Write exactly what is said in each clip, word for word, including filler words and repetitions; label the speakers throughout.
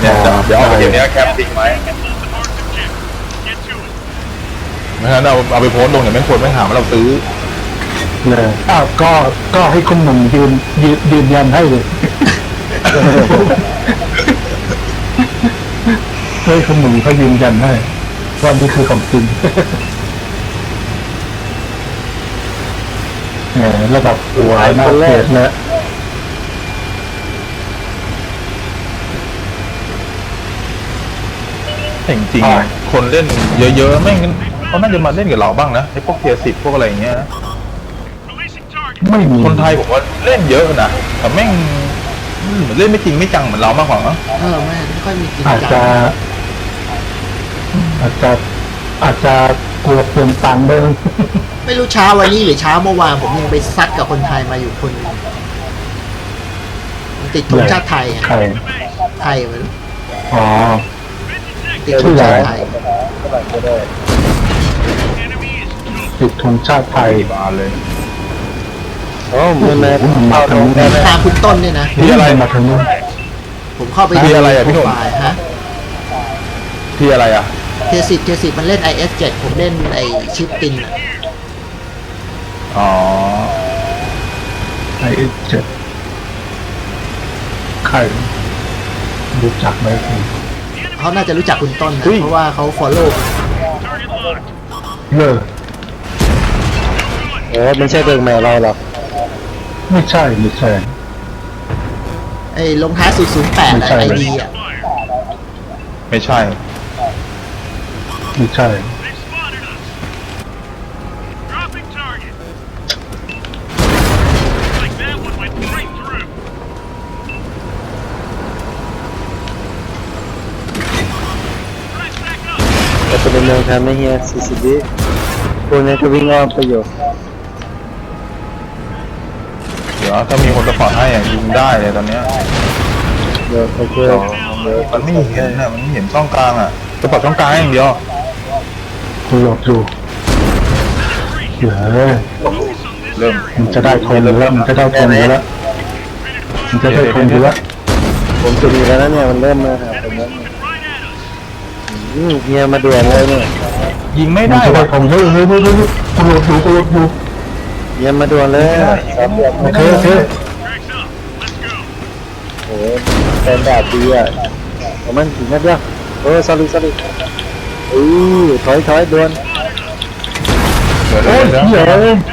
Speaker 1: เนี่ยเดี๋ยวเอาไปเก็บเนี้ยแคปทิ้งไหมไม่งั้นเอาเอาไปโพสต์ลงเดี๋ยวแม่งคนแม่งหาว่าเราซื้อ
Speaker 2: เลยอ้าวก็ก็ให้คุณหนุ่มยืนยืนยืนยันให้เลยให้คุณหนุ่มเขายืนยันให้ว่านี่คือของจริงแหมระดับหัวหน้าเพจแล้ว
Speaker 1: แต่จริงๆคนเล่นเยอะๆแม่งเขาน่าจะมาเล่นกับเราบ้างนะไอ้พวกเทียร์สิบพวกอะไรอย่างเงี้ย
Speaker 2: ไม่มี
Speaker 1: คนไทยผมว่าเล่นเยอะนะแต่แม่งเล่นไม่จริงไม่จังเหมือนเรามากกว่ามั้ง
Speaker 3: เออไม่ไม่ค่อยมีจริง
Speaker 2: อาจจะอาจจะอาจจะกลัวเปลี่ยนตังค์ด้วย
Speaker 3: ไม่รู้เช้าวันนี้หรือเช้าเมื่อวานผมยังไปซัดกับคนไทยมาอยู่คนนึงติดธงชาติไทย
Speaker 2: ใคร
Speaker 3: ไทยมัน
Speaker 2: อ๋อ
Speaker 3: ติดธงชาติไทย
Speaker 2: ติดธงชาติไทย
Speaker 1: บาเลย
Speaker 2: โอ้มันมาทางนี้
Speaker 3: ตามคุณต้นเนี่ยนะ
Speaker 1: ที่อะไร
Speaker 2: มาทางนี้
Speaker 3: ผมเข้าไป
Speaker 1: ที่อะไรอ่ะพี่หนุ่ม
Speaker 3: ฮะ
Speaker 1: ที่อะไรอ่ะ
Speaker 3: เทสิบเทสิบมันเล่น ไอ เอส เจ็ด ผมเล่นไอชิปติน
Speaker 1: อ๋อ
Speaker 2: ไอ เอส เจ็ด ใครรู้จักไหมคุณ
Speaker 3: เขาน่าจะรู้จักคุณต้นนะเพราะว่าเขา follow
Speaker 2: เลิก
Speaker 4: โอ้ไม่ใช่เบิร์กแมวเราหรอก
Speaker 2: ไม่ใช่ไม่ใช่
Speaker 3: ไอ้ลงท้ายศูนย์ ศูนย์ แปดไอดีอ่ะ
Speaker 1: ไม่ใช่
Speaker 2: ไม่ใช่
Speaker 4: แต่เป็นเมืองทำไม่เฮียสี่สิบวิพวกนี้ก็วิ่งอ้อมไปอยู่
Speaker 1: เดี๋ยวถ้ามีคนสปอร์ตให้ยิงได้เลยตอนเนี้ย
Speaker 4: เดี๋ยวโอเค
Speaker 1: มันไม่เห็นนะมันไม่เห็นช่องกลางอ่ะสปอร์ตช่องกลางอย่างเดียว
Speaker 2: กูหลอกดูเดี๋ยว
Speaker 1: เริ่ม
Speaker 2: มันจะได้ทนแล้วมันจะได้ทนแล้วมันจะได้ทนแล้ว
Speaker 4: ผมจะมีแล้วนะเนี่ยมันเริ่มมาหาผมแล้วเฮียมาด่วนเลยเนี่ย
Speaker 1: ยิงไม่ได้
Speaker 2: ว่ะผมเฮ้ยเฮ้ยเฮ้ยกูหลอกดูกูหลอกดู
Speaker 4: เฮียมาด่วนเลย
Speaker 2: โอเคโอเค
Speaker 4: โอ้เป็นแบบดีอ่ะมันถึงนัดเดียวโอ้สลิดสลิดอู้ถอยถอยด่วน
Speaker 2: โอ้ยเหี้ย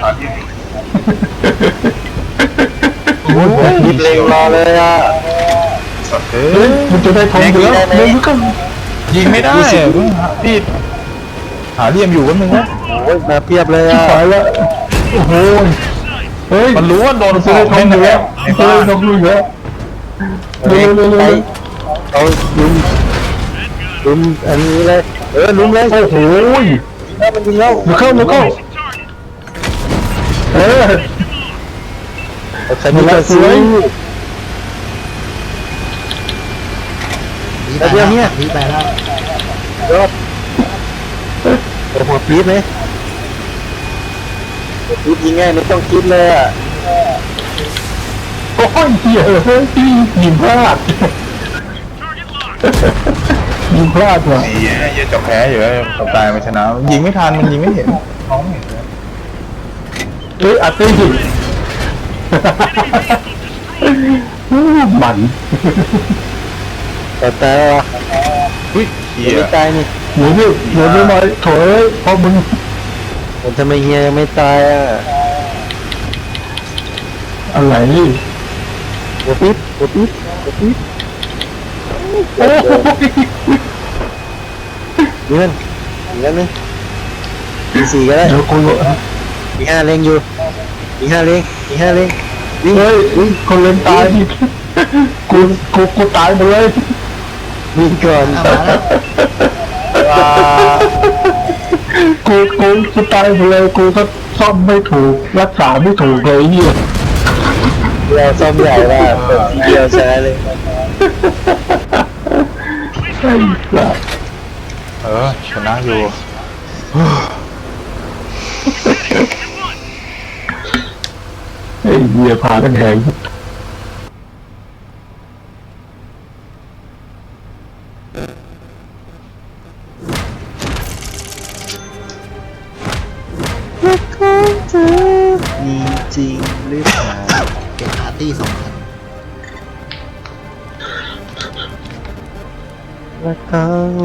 Speaker 4: โอ้ยยิบเร็วรอเลยอ่ะ
Speaker 2: เฮ้ยมันจะได้ทองเยอะเลยก็
Speaker 1: ยิงไม่ได้พี่หาเหลี่ยมอยู่กันมึงนะ
Speaker 4: โอ้ยมาเพียบเลยอ่ะ
Speaker 2: ตายแล้วโอ้โหเฮ้ย
Speaker 1: มันรู้ว่าโดน
Speaker 2: ซื้อทองเยอะซื้อทองเยอะเร็วเร็วเร็ว
Speaker 4: เอาลุมลุมอันนี้เลยเออลุมเลย
Speaker 2: โอ้โห
Speaker 4: ถ้ามันยิงแล้ว
Speaker 2: มาเข้ามาเข้าเออ
Speaker 4: ใครมีกระสุน
Speaker 3: มีไปแล้วมีไปแล้ว
Speaker 4: ยอดโอ้โหปี๊ดไหมปี๊ดยิงง่ายไม่ต้องคิดเลยอ่ะ
Speaker 2: โอ้ยเหี้ยเฮ้ยยิงพลาดยิงพลาดว่ะ
Speaker 1: เหี้ยเหี้ยจะแพ้อยู่แล้วตายมาชนะยิงไม่ทันมันยิงไม่เห็นท้องเห็นเลย
Speaker 2: เฮ้ยอัดได้ยิงมัน
Speaker 4: แต่แต่
Speaker 1: อุ้ยเหี้ย
Speaker 4: ไม่ตายนี่
Speaker 2: หนูนี่หนูนี่มาถอยพอมึง
Speaker 4: ผมทำไมเฮียยังไม่ตายอ่ะ
Speaker 2: อะไร
Speaker 4: โอ้ปิ๊บโอ้ปิ๊บโอ้ปิ๊บ
Speaker 2: โอ้ย
Speaker 4: เดือนอีกแล้วนึงอีสี่ก็ได้
Speaker 2: เดี๋ยวกู
Speaker 4: อีห้าเล็งอยู่อีห้าเล็งอีห้าเล็ง
Speaker 2: วิ่งเฮ้ยคนเล่นตายกูกูกูตายหมดเลย
Speaker 4: วิ่งก่อน
Speaker 2: กูกูกูตายหมดเลยกูก็ซ่อมไม่ถูกรักษาไม่ถูกเลยเนี่ย
Speaker 4: เราซ่อมใหญ่ว่าเปิดทีเดียวใช้เลย
Speaker 2: ไอ้สัส
Speaker 1: เออชนะอยู่
Speaker 2: ไอ้เหี้ยพากันแหง
Speaker 4: รักของเธอมีจริงหรือเปล่า
Speaker 3: เป็นปาร์ตี้สองคัน
Speaker 4: รักของ